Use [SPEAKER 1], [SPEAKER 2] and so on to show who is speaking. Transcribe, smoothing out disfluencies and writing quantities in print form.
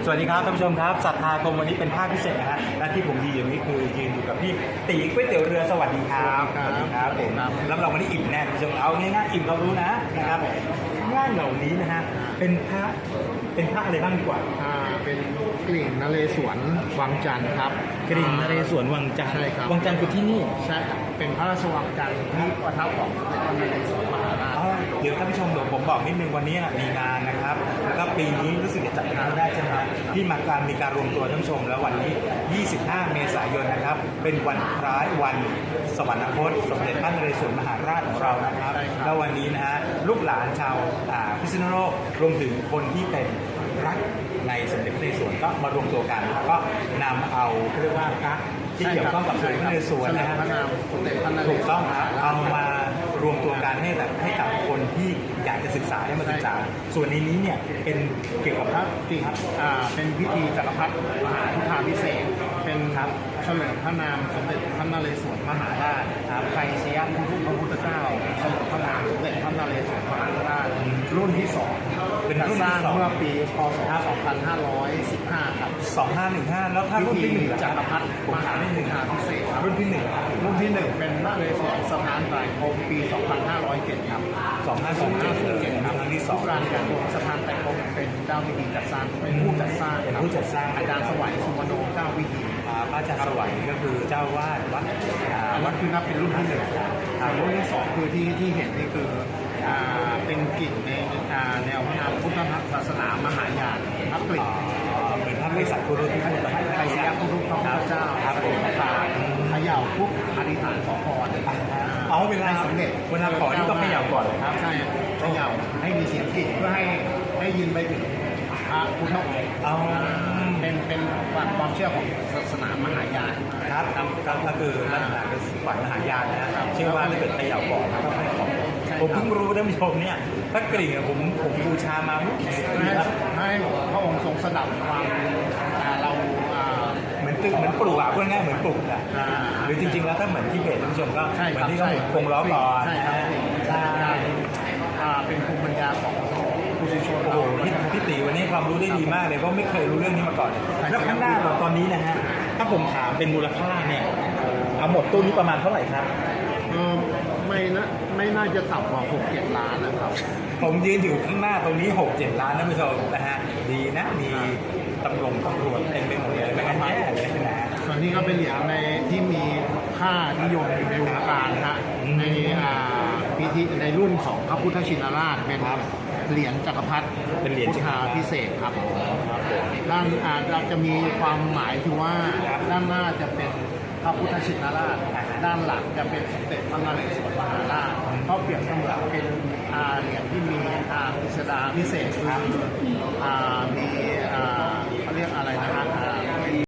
[SPEAKER 1] สวัสดีครับท่านผู้ชมครับศรัทธาคมวันนี้เป็นภาคพิเศษนะฮะและที่ผมยืนอยู่นี้คือยืนอยู่กับพี่ตีก๋วยเตี๋ยวเรือสวัสดีครับสวัสดีครับผมรับรองวันนี้อิ่มแน่ท่านผู้ชมเอาง่ายๆอิ่มเรารู้นะครับงานเหล่านี้นะฮะเป็นพระอะไรบ้างดีกว่า
[SPEAKER 2] เป็นกลิ่งนเรศวรวังจันทร์ครับ
[SPEAKER 1] กริ่งนเรศวรวังจันทร์
[SPEAKER 2] ใช่ครับ
[SPEAKER 1] วังจันทร์คือที่นี่
[SPEAKER 2] ใช่ครับเป็นพระราชวังจันทร์ที่ประทับของสมเด็จพระนเรศวรมหาราช
[SPEAKER 1] เดี๋ยวท่านผู้ชมเดี๋ยวผมบอกนิดนึงวันนี้มีงานนะครับแล้วก็ปีนี้รู้สึกจะจัดงานได้ใช่ไหมที่มีการรวมตัวท่านผู้ชมแล้ววันนี้25 เมษายนนะครับเป็นวันคล้ายวันสวรรคตสมเด็จพระนเรศวรมหาราชของเรานะครับแล้ววันนี้นะฮะลูกหลานชาวพิษณุโลกรวมถึงคนที่เป็นรักในสมเด็จพระนเรศวรก็มารวมตัวกันแล้วก็นำเอาเรียกว่าพระที่เกี่ยวข้องกับสมเด็จพระนเรศวรนะฮะถูกต้องครับเอามารวมตัวกันให้กับคนที่อยากจะศึกษาได้มาศึกษาส่วนในนี้เนี่ยเป็นเกี่ยวกับพระ
[SPEAKER 2] จริงเป็นพิธีจักรพรรดิมหาพุทธาภิเษกเป็นเฉลิมพระนามสมเด็จพระนเรศวรมหาราชไทยสยามพระพุทธเจ้าเฉลิมพระนามสมเด็จพระนเรศวรมหาราชรุ่นที่2เป็นรุ่นที่2เมื่อปีพ.ศ. 2515ครับ
[SPEAKER 1] 2515แล้วถ้ารุ่นที่1
[SPEAKER 2] จักรพรรดิมหาพุทธาภิเษก
[SPEAKER 1] รุ่นที่
[SPEAKER 2] 1เป็นนเรศวรสถานไตรภพปี 2507ครับ
[SPEAKER 1] 2507ครับครั้งที่2
[SPEAKER 2] การสถานไตรภพเป็นเจ้าพิธีจัดสร้างเป็นผู้จัดสร้างอาจารย์สวัยสุวรรณโนเจ้าพิธี
[SPEAKER 1] พระอาจารย์สวัยก็คือเจ้าวาด
[SPEAKER 2] วัดคือนับเป็นรุ่นที่1รุ่นที่2คือที่เห็นนี่คือเป็นกลิ่นในแนวพระนามพุทธศาสนามหายานพระกลิ่น
[SPEAKER 1] เป็นพระวิสัชคุรุที่ท่าน
[SPEAKER 2] ไทยสยามพุทธพระพุทธเจ้าครับผมเขย่าปุ๊บอธิษฐานขอพร
[SPEAKER 1] เวลาสำเร็จเวลาขอที่ต้องเขย่าก่อน
[SPEAKER 2] ครับใช่เขย่าให้มีเสียงกลิ่นเพื่อให้ยินไปถึงพระพุทธองค์เป็นความเชื่อของศาสนามหายาน
[SPEAKER 1] ครับก็คือลักษณะเป็นฝ่ายมหายานนะครับเชื่อว่าถ้าเกิดเขย่าก่อนต้องให้ของผมเพิ่งรู้ท่านผู้ชมเนี่ยพระกริ่งผมบูชามาไม่กี่สิบปีแล้ว
[SPEAKER 2] ให้พระองค์ทรงสดับความเรา
[SPEAKER 1] เหมือนปลูกพูดง่ายเหมือนปลูกหรือจริงๆแล้วถ้าเหมือนที่เบสท่านผู้ชมก็เหมือนที่เขาคงล้อก่อน
[SPEAKER 2] ใช่เป็นภูมิปัญญาของผู้ชนเรา
[SPEAKER 1] พี่ตีวันนี้ความรู้ได้ดีมากเลยเพราะไม่เคยรู้เรื่องนี้มาก่อนแล้วข้างหน้าเราตอนนี้นะฮะถ้าผมถามเป็นมูลค่าเนี่ยเอาหมดตู้นี้ประมาณเท่าไหร่ครับ
[SPEAKER 2] ไม่น่าจะต่ำกว่า 6-7 ล้านนะครับ
[SPEAKER 1] ผมยืนอยู่ข้างหน้าตรงนี้ 6-7 ล้านนะผู้ชมนะฮะดีนะมีตำรวจเต็มไปหมดเลยไม่งั้นแย่เลยนะ
[SPEAKER 2] ส่วนนี้ก็เป็นเหรียญในที่มีค่านิยมในวงการฮะในพิธีในรุ่นของพระพุทธชินราชเป็นเหรียญจักรพรรดิ
[SPEAKER 1] เป็นเหรียญ
[SPEAKER 2] พุทธาภิเษกครับด้านเราจะมีความหมายคือว่าด้านหน้าจะเป็นพระพุทธชินราชด้านหลังจะเป็นสมเด็จพระนเรศวรมหาราชเขาเปรียบเสมือนเป็นเหรียญที่มีพิสดารพิเศษคือมี